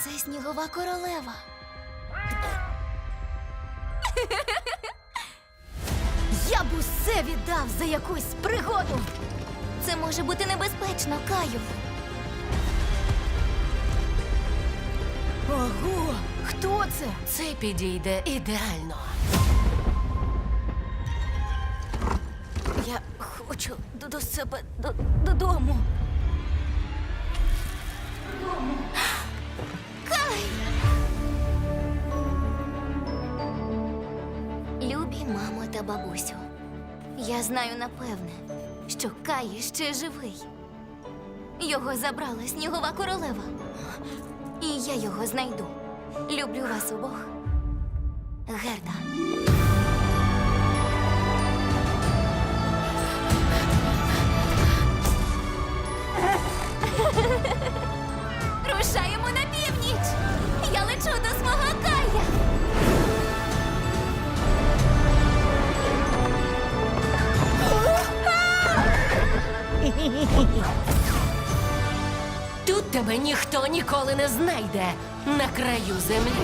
Це снігова королева. Я б усе віддав за якусь пригоду. Це може бути небезпечно, Каю. Ого, хто це? Це підійде ідеально. Я хочу до себе додому. Кай! Любі мамо та бабусю, я знаю напевне, що Кай ще живий. Його забрала снігова королева. І я його знайду. Люблю вас обох. Герда. Рушаємо на північ! Я лечу до свого Кая! Тут тебе ніхто ніколи не знайде на краю землі.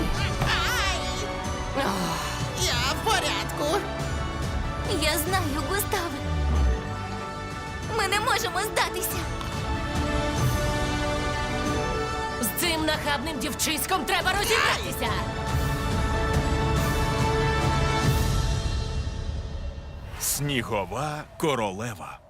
Я в порядку. Я знаю, Густаве. Ми не можемо здатися. З цим нахабним дівчиськом треба розібратися. Снігова королева.